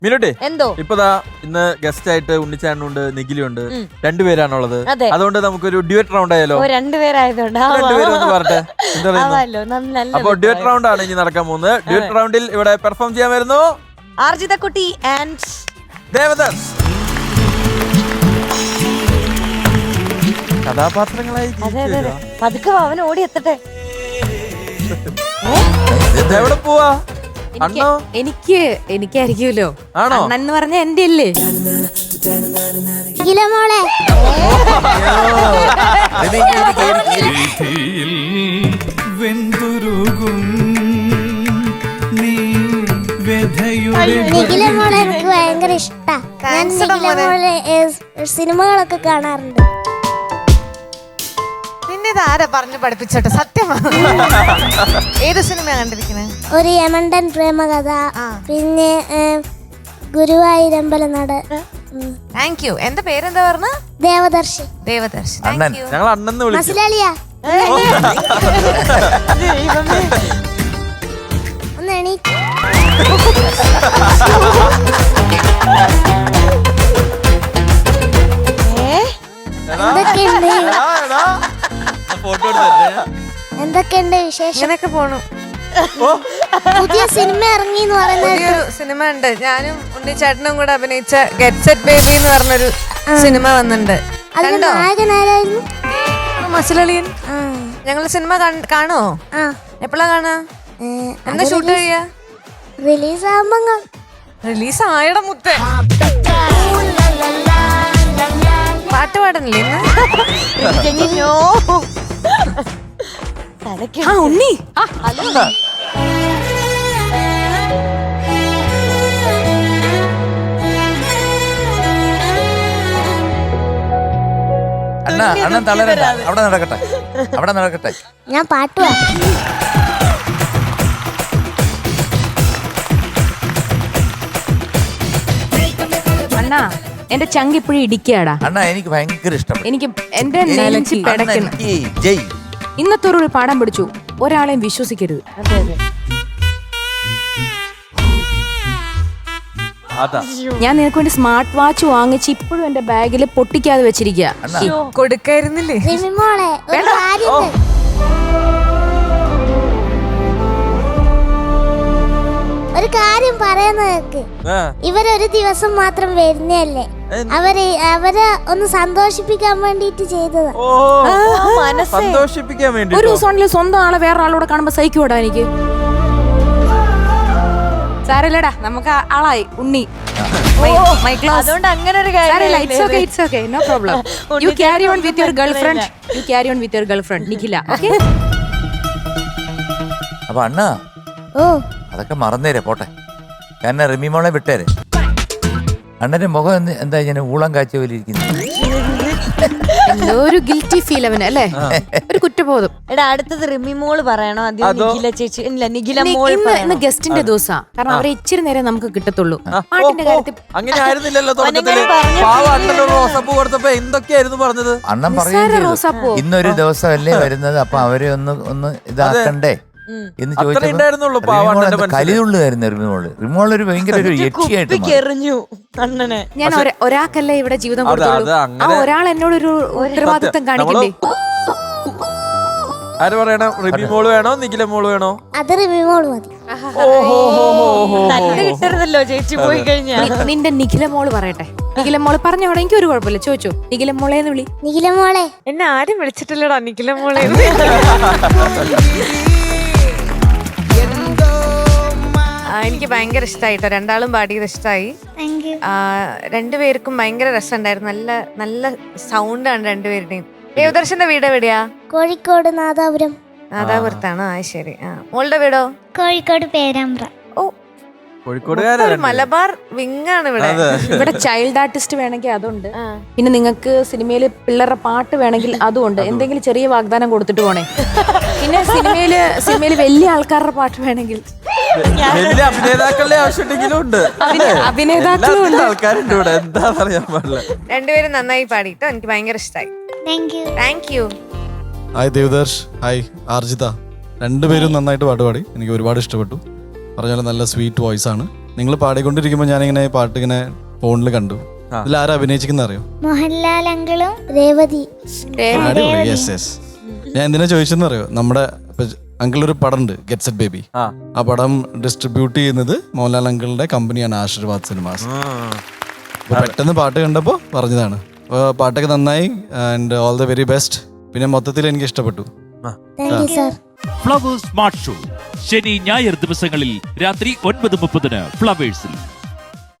മിനുട്ടെ എന്തോ ഇപ്പതാ ഇന്ന് ഗസ്റ്റ് ആയിട്ട് ഉണ്ണിച്ചാണ്ടുണ്ട് നിഖിലുണ്ട് രണ്ടുപേരാണുള്ളത്. അതെ. അതുകൊണ്ട് നമുക്കൊരു ഡ്യുവറ്റ് റൗണ്ട് ആയാലോ? രണ്ടുപേരായതുകൊണ്ട് രണ്ടുപേരും പറഞ്ഞെ എന്താ പറയുന്നത്? അപ്പൊ ഡ്യുവറ്റ് റൗണ്ട് ആണ് ഇനി നടക്കാൻ പോകുന്നത്. ഡ്യുവറ്റ് റൗണ്ടിൽ ഇവിടെ പെർഫോം ചെയ്യാൻ വരുന്നു ആർജിത കുട്ടി ആൻഡ് ദേവദാസ്. കഥാപാത്രങ്ങളായി പതുക്കെ അവൻ ഓടി എത്തട്ടെ. എവിടെ പോവാ? അണ്ണോ എനിക്കായിരിക്കുമല്ലോ. ആണോ? അണ്ണെന്ന് പറഞ്ഞ എന്റെ അല്ലേ? നിഖിലമോളെ എനിക്ക് ഭയങ്കര ഇഷ്ടാ. ഞാൻ നിഖിലമോളെ സിനിമകളൊക്കെ കാണാറുണ്ട്. ആരാ പറഞ്ഞു പഠിപ്പിച്ചോട്ടെ? സത്യമാണ്. ഏത് സിനിമയാ കണ്ടിരിക്കുന്നത്? ഒരു യമണ്ടൻ പ്രേമകഥ, പിന്നെ ഗുരുവായൂരമ്പലം നട. Thank you. എന്റെ പേരെന്താ പറഞ്ഞ? ദേവദർശി. ദേവദർശി. ഞങ്ങൾ അണ്ണെന്ന് വിളിക്കും. മസിലാളിയാ ഒന്ന് എണീക്ക്. എന്തൊക്കെയുണ്ട് വിശേഷം? ഇങ്ങനെയൊക്കെ പോണു. പുതിയ സിനിമ ഇറങ്ങി എന്ന് പുതിയൊരു സിനിമ ഉണ്ട്. ഞാനും ഉണ്ണിച്ചേട്ടനും കൂടെ അഭിനയിച്ച ഗെറ്റ് സെറ്റ് ബേബി എന്ന് പറഞ്ഞൊരു സിനിമ വന്നിട്ടുണ്ട്. നായകനാരായിരുന്നു? മസിലളിയൻ. ഞങ്ങൾ സിനിമ കാണുമോ? എപ്പോഴാ കാണാ? എന്താ ഷൂട്ട് ചെയ്യാ? റിലീസ് ആവുമ്പോ. റിലീസ് ആയട മുത്തേ. പാട്ട് പാടുന്നില്ലേ ഇന്ന്? ഉണ്ണി അണ്ണൻ തളരണ്ട. അവിടെ നടക്കട്ടെ. ഞാൻ പാട്ട് അണ്ണാ എന്റെ ചങ്ക് ഇപ്പോഴും ഇടിക്കാടാ. അണ്ണാ എനിക്ക് ഭയങ്കര ഇഷ്ടപ്പെട്ടു. എനിക്ക് എന്റെ നെഞ്ചി പിടയ്ക്കുന്നു. ജയ്. ഇന്നത്തെ ഒരു പാഠം പഠിച്ചു, ഒരാളെയും വിശ്വസിക്കരുത്. ഞാൻ നിനക്ക് വേണ്ടി സ്മാർട്ട് വാച്ച് വാങ്ങിച്ച് ഇപ്പോഴും എന്റെ ബാഗിൽ പൊട്ടിക്കാതെ വെച്ചിരിക്കുക. കൊടുക്കായിരുന്നില്ലേ? ഒരു കാര്യം പറയുന്നവർക്ക് ഇവരൊരു ദിവസം മാത്രം വരുന്നല്ലേ, അവരെ ഒന്ന് സന്തോഷിപ്പിക്കാൻ വേണ്ടിട്ട് ചെയ്തതാ. സന്തോഷിപ്പിക്കാൻ വേണ്ടി ഒരു ദിവസം സ്വന്തം ആളെ വേറെ ആളോട് കാണുമ്പോ സഹിക്കൂടാ എനിക്ക്. സാരല്ലടാ, നമുക്ക് ആളായി ഉണ്ണി. അതുകൊണ്ട് അങ്ങനെ ഒരു no problem. You carry on with your girlfriend Nikhila. അപ്പൊ അണ്ണാ അതൊക്കെ മറന്നേരെ പോട്ടെ. കാരണം റിമി മോളെ വിട്ടേരെ. അണ്ണന്റെ മുഖം എന്താ ഇങ്ങനെ ഊളം കാഴ്ച പോലെ ഇരിക്കുന്നു. ഒരു ഗിൽറ്റി ഫീൽ അവന് അല്ലേ, ഒരു കുറ്റബോധം. എടാ അടുത്തത് റിമി മോള് പറയണോ? നിഖില ചേച്ചി. ഇല്ല, നിഖില മോള്. ഇന്ന് ഗസ്റ്റിന്റെ ദിവസാ, കാരണം അവരെ ഇച്ചിരി നേരം നമുക്ക് കിട്ടത്തുള്ളൂ. പാട്ടിന്റെ കാര്യത്തിൽ അങ്ങനെ ആയിരുന്നില്ലല്ലോ തുടക്കത്തില്. റോസാപ്പൂ കൊടുത്തപ്പോ എന്തൊക്കെയായിരുന്നു പറഞ്ഞത്? അണ്ണൻ പറയുന്നത് ഇന്നൊരു ദിവസമല്ലേ വരുന്നത്, അപ്പൊ അവരെ ഒന്ന് ഇതാക്കണ്ടേ എന്ന് ചോദിച്ചു. കലിതുള്ളുകായിരുന്നു റിമോള് ഒരു ഭയങ്കര ഒരു യക്ഷിയായിട്ട്. ഞാൻ ഒരാൾക്കല്ലേ ഇവിടെ ജീവിതം കൊടുത്തുള്ളൂ. ആ ഒരാൾ എന്നോടൊരു ഉത്തരവാദിത്വം കാണിക്കണ്ടേ? ആര് പറയണം? റിമി മോള് വേണോ നിഖില മോള് വേണോ? അത് റിമി മോള് മതി. കിട്ടരുതല്ലോ ചേച്ചി പോയി കഴിഞ്ഞാൽ. നിന്റെ നിഖില മോള് പറയട്ടെ. നിഖില മോള് പറഞ്ഞോടെ, എനിക്ക് ഒരു കുഴപ്പമില്ല. ചോദിച്ചോ, നിഖില മോളേന്ന് വിളി. നിഖില മോളെ. എന്നെ ആരും വിളിച്ചിട്ടില്ലടാ നിഖില മോളെ. എനിക്ക് ഭയങ്കര ഇഷ്ടമായിട്ടോ, രണ്ടാളും പാടിയത് ഇഷ്ടമായി. രണ്ടുപേർക്കും ഭയങ്കര രസമുണ്ടായിരുന്നു. നല്ല നല്ല സൗണ്ടാണ് രണ്ടുപേരുടെയും. ദേവദർശന്റെ വീട് എവിടെയാ? കോഴിക്കോട് നാദാപുരം. നാദാപുരത്താണോ? ആ ശരി. മോളുടെ വീടോ? കോഴിക്കോട് പേരാമ്പ്ര. ഓ, മലബാർ വിങ്ങാണ് ഇവിടെ. ഇവിടെ ചൈൽഡ് ആർട്ടിസ്റ്റ് വേണമെങ്കിൽ അതുണ്ട്. പിന്നെ നിങ്ങൾക്ക് സിനിമയില് പിള്ളേരുടെ പാട്ട് വേണമെങ്കിൽ അതുണ്ട്. എന്തെങ്കിലും ചെറിയ വാഗ്ദാനം കൊടുത്തിട്ട് പോണേ. പിന്നെ സിനിമയില് വലിയ ആൾക്കാരുടെ പാട്ട് വേണമെങ്കിൽ അഭിനേതാക്കളുടെ ആവശ്യമുണ്ടെങ്കിലും ഉണ്ട്. അഭിനേതാക്കളും ഉണ്ട്. ആൾക്കാരുണ്ട് ഇവിടെ. എന്താ പറയാൻ പാടില്ല. രണ്ടുപേരും നന്നായി പാടിട്ടോ, എനിക്ക് ഭയങ്കര ഇഷ്ടമായി. Thank you. Hi Devadarsh. Hi Arjitha. രണ്ടുപേരും നന്നായിട്ട് പാട്ട് പാടി. എനിക്ക് ഒരുപാട് ഇഷ്ടപ്പെട്ടു. പറഞ്ഞാൽ നല്ല സ്വീറ്റ് വോയിസ് ആണ്. നിങ്ങൾ പാടിക്കൊണ്ടിരിക്കുമ്പോൾ ഞാനിങ്ങനെ പാട്ട് ഇങ്ങനെ ഫോണിൽ കണ്ടു. ഇതിൽ ആരാ അഭിനയിച്ചിരിക്കുന്ന അറിയോ? മോഹൻലാൽ അങ്കിളും രേവതി. Yes yes. ഞാൻ എന്തിനാ ചോദിച്ചെന്ന് അറിയോ? നമ്മുടെ അങ്കിളൊരു പടം ഉണ്ട്, ഗെറ്റ് സെറ്റ് ബേബി. ആ പടം ഡിസ്ട്രിബ്യൂട്ട് ചെയ്യുന്നത് മോഹൻലാൽ അങ്കിളിന്റെ കമ്പനിയാണ്, ആശീർവാദ് സിനിമാസ്. പെട്ടെന്ന് പാട്ട് കണ്ടപ്പോൾ പറഞ്ഞതാണ്. പാട്ടൊക്കെ നന്നായി and all the very best. പിന്നെ മൊത്തത്തിൽ എനിക്ക് ഇഷ്ടപ്പെട്ടു. ഫ്ലവേഴ്സ് സ്മാർട്ട് ഷോ ശനി ഞായർ ദിവസങ്ങളിൽ രാത്രി 9:30 ഫ്ലവേഴ്സിൽ.